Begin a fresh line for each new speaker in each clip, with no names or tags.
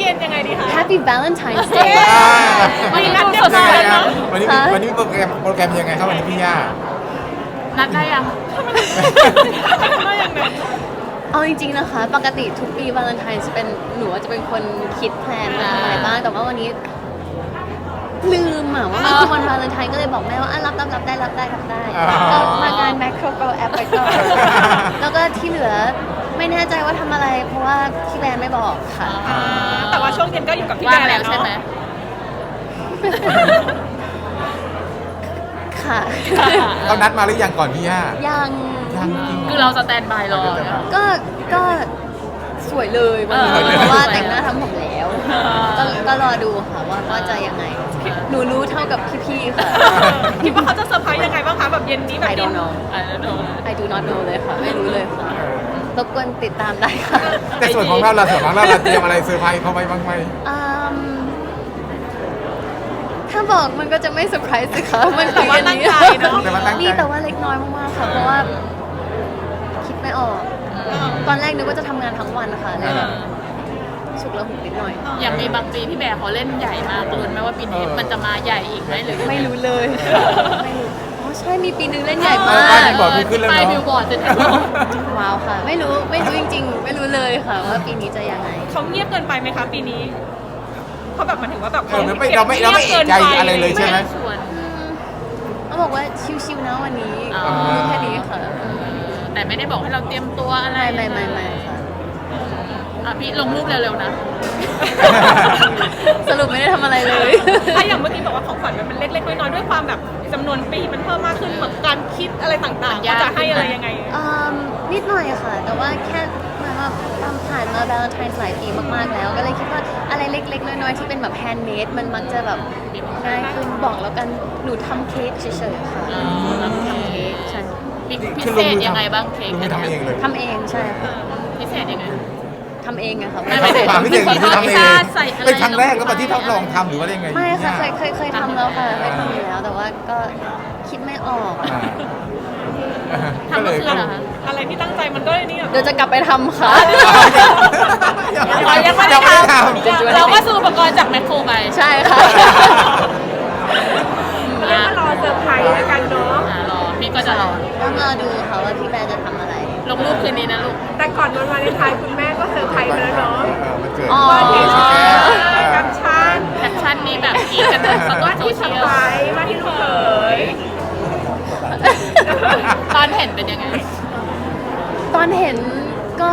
ย็นยังไงดีคะ
Happy Valentine's Day
วันนี้นัดเรียบร้อยแล้วเนาะ
วันนี้โปรแกรมยังไงครับวันนี้พี่ย่า
นัดได้ยัง
ทำไมอย่างนั้น
เอาจริงๆนะคะ ปกติทุกปีวาเลนไทน์จะเป็นหนูจะเป็นคนคิดแพลนอะไรบ้างแต่ว่าวันนี้ลืมว่ามันคือวันวาเลนไทน์ก็เลยบอกแม่ว่ารับได้ก็มางาน Macro Go App ไปก่อนแล้วก็ที่เหลือไม่แน่ใจว่าทำอะไร เพราะว่าพี่แบรนด์ไม่บอกค่ะ
แต่ว่าช่วงเย็นก็อยู่กับพี่
ว่า
แบ
ง
ร์
แล้
แล้ว ว
ใช่
ใช่
ไห
ไห
ม
ม
ค่ะ
เขานัดมาหรือยังก่อนพี่ย่า
ยัง
ยังจริง
คือเราสแตนบายรอนะ
ก็สวยเลยวันนี้
เออ
เพราะว่าแต่งหน้าทำผมแล้วก็รอดูค่ะว่าจะยังไง หนูรู้เท่ากับพี่ๆค่ะ
คิดว่าเขาจะเซอร์ไพรส์ยังไงบ้างคะแบบเย็นนี้แบบ
I don't know
ไอ้โดน
I do not know เลยค่ะ ไม่รู้เลยค่ะรบกวนติดตามได้ค่ะ
แต่ส่วนของเราเตรียมอะไรเซอร์ไพรส์เขาไว้บ้างไหม
อืมถ้าบอกมันก็จะไม่เซอร์ไพรส์สิคะมัน
แต่ว่าตั้งใจเนาะ
แต่ว่าตั้งใจ
นี่แต่ว่าเล็กน้อยมากๆค่ะ เพราะว่าคิดไม่ออก ตอนแรกนึกว่าจะทำงานทั้งวันค่ะเลยแบบฉุกละหุกนิดหน่อย
อย่างมีบางปีพี่แบร์เขาเล่นใหญ่มากลุ้นไหมว่าปีนี้มันจะมาใหญ่อีกไหมหรือ
ไม่รู้เลยไม่รู้อ๋อใช่มีปีนึงเล่นใหญ่
เอ
มา
อป้าก บิลบอร์ดขึ้นแล้ว
ป้ายบิล
เนาะ
บอร์ดจะ
ว้าวค่ะ ไม่รู้จริงๆ ไม่รู้เลยค่ะ ว่าปีนี้จะยังไง
เขาเงียบเกินไปไหมคะปีนี้เขาแบบหมายถึงว่าแบบ
เราไม่เอกใจอะไรเลยใช่ไหม
ชวน
เขาบอกว่าชิวๆนะวันนี้
อ๋อ
แค่นี้ค่ะ
แต่ไม่ได้บอกให้เราเตรียมตัวอะไร
ไม่ค่ะ
อ่ะพี่ลงรูปเร็วๆนะ
สรุปไม่ได้ทำอะไรเลย
ถ้าอย่างเมื่อกี้บอกว่าของขวัญมันเป็นเล็กๆน้อยๆด้วยความแบบจำนวนปีมันเพิ่มมากขึ้นเหมือนการคิดอะไรต่างๆว่าจะให้อะไรยังไง
นิดหน่อยค่ะ แต่ว่าแค่เหมือนว่าผ่านมา Valentine's หลายปีมากๆแล้ว ก็เลยคิดว่าอะไรเล็กๆ น้อยๆ ที่เป็นแบบแฮนด์เมดมันมักจะแบบง่ายขึ้นบอกแล้วกันหนูทำเค้กเฉยๆค่ะ
อ๋อ
ทำเค้กใช่
พิเศษยังไงบ้างเค้ก
ลงมือทำเองเลย
ทำเองใช่ค่ะ
พิเศษยังไง
ทำเองอะค่ะ
ไม่
ความพิเศษคือทำเอง
ใส่อะไร
เป็นครั้งแรกแล้วมาที่ทดลองทำหรือว่ายังไง
ไม่ค่ะ
พี่ย่า
เคยทำแล้วค่ะเคยทำอยู่แล้ว แต่ว่าก็คิดไม่ออก
อ่า
ทำเมื่อคืนเหรอคะ
อะไรที่ตั้งใจมันก็นี่แบบ
เดี๋ยวจะกลับไปทำค่ะ
ยังไม่ได้ทำเราก็ซื้ออุปกรณ์จากแมคโครไป
ใช่ค่ะ
เรียกว่ารอเซอร์ไพรส์แล้วกันเนาะ
รอพี่ก็จะรอ
ต้องรอดูค่ะว่าพี่แบร์จะทำอะไร
ลงรูปคืนนี้นะลูก
แต่ก่อนวันวาเลนไทน์คุณแม่ก็เซอร์ไพรส์ไปแล้วเนาะ
มันเกิด
อ๋อ
เกิดสแกน
กับชัน
แคปชั่นมีแบบกรีดกันทั้งโซ
ว่าที่
เชี
ส
ยล
ไปร์ว่าที่ลูกเขย
ตอนเห็นเป็นยังไง
ตอนเห็นก็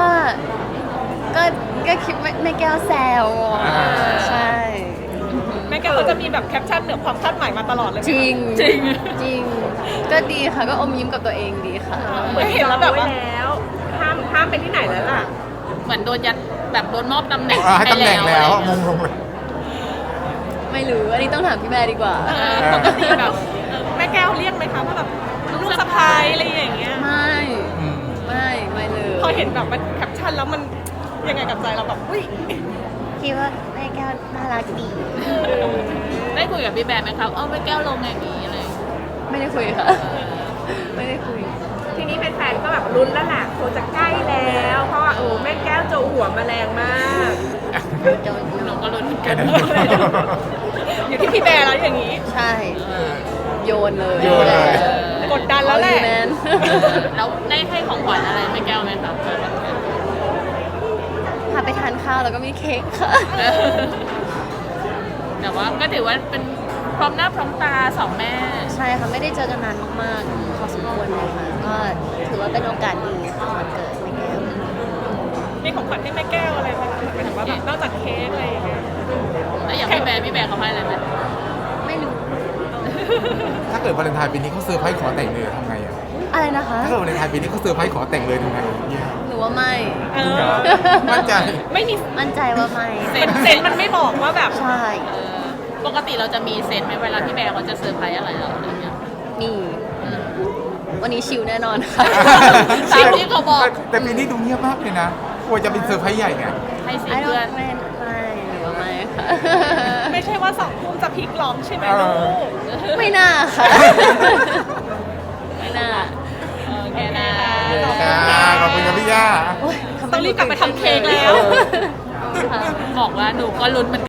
คิดไม่แก้วแซวใช่
แม่แกเขาจะมีแบบแคปชั่นเหนือความคาดหมายมาตลอดเลยไหม
จริง
จริง
จริง ก็ดีค่ะก็อมยิ้มกับตัวเองดีค่ะ
เหมือนเห็นแล้วแบบว่าแล้วห้ามไปที่ไหนแล้วล่ะ
เหมือนโดนยัดแบบโดนมอบตำแหน่ง
ให้ตำแหน่งแล้วงงเลย
ไม่รู้ อันนี้ต้องถามพี่แบร์ดีกว่า
ปกติแบบแม่แก้วเรียกไหมคะว่าแบบลูกสะพ้ายอะไรอย่างเงี้ย
ไม่เลย
พอเห็นแบบมันแคปชั่นแล้วมันยังไงกับใจเราแบบอุ้ย
คิดว่าแม่แก้วน่ารักดี
ได้คุยกับพี่แบร์ไหมครับไม่แก้วลงอย่างนี้อะไร
ไม่ได้คุยค่ะ ไม่ได้คุย
ทีนี้แฟนๆก็แบบลุ้นแล้วแหละโคจะใกล้แล้ว เพราะว่าโอ้แม่แก้วโจหัวมาแรงมาก
โดน
หนูก็ลุ้นเหมือนกัน
อยู่ที่พี่แบร์แล้วอย่างนี้
ใช่ โยนเลย
โยนเลย
กดดันแล้วแหละ
แมน
แล้วได้ให้ของขวัญอะไรไม่แก้วไหมครับ
พาไปทานข้าวแล้วก็มีเค้กค่ะ
แต่ว่าก็ถือว่าเป็นพร้อมหน้าพร้อมตาสองแม่
ใช่ค่ะ ไม่ได้เจอกันนานมากๆพอสมควรเลยค่ะ ก็ถือว่าเป็นโอกาสดีค่ะวันเกิดแม่แก้ว
มีของขวัญให้แม่แก้วอะไรไหมคะหมายถึงว่าแบบนอกจากเค้กอะไรอย่างเงี้ย
แล้วอย่างพี่แบร์เขาให้อะไรไหม
ไม่รู้
ถ้าเกิดวาเลนไทน์ปีนี้เขาเซอร์ไพรส์ขอแต่งเลยทำไงอ่ะ
อะไรนะคะ
ถ้าเกิดวาเลนไทน์ปีนี้เขาเซอร์ไพรส์ขอแต่งเลยทำไงเนี่ย
หนูว่าไม่
เออ
มั่นใจ
ไม่มี
มั่นใจว่าไม่
เซนมันไม่บอกว่าแบบ
ใช่
ปกติเราจะมีเซนส์ไหมเวลาพี่แบร์เขาจะเซอร์ไพรส์อะไรเราอะไรเงี้ย
มีวันนี้ชิลแน่นอนค่ะ
ตามที่เขาบอก
แต่ปีนี้ดูเงียบมากเลยนะกลัวจะเป็นเซอร์ไพรส์ใหญ่ไง
ให้สี
ไอ้
เพื่อน
ไม่หรือว่าไม่ค่ะ
ไม่ใช่ว่า2 ทุ่มจะพลิกล้อมใช่ไหมลูก
ไม่น่าค่ะ ไม่น่า
โอเคนะ
ขอบคุณครับพี่ย่า
โอ๊ยทำไม
ต้องรีบกลับไปทำเค้กแล้ว
ค่ะ
บอกว่าหนูก็ลุ้นเหมือน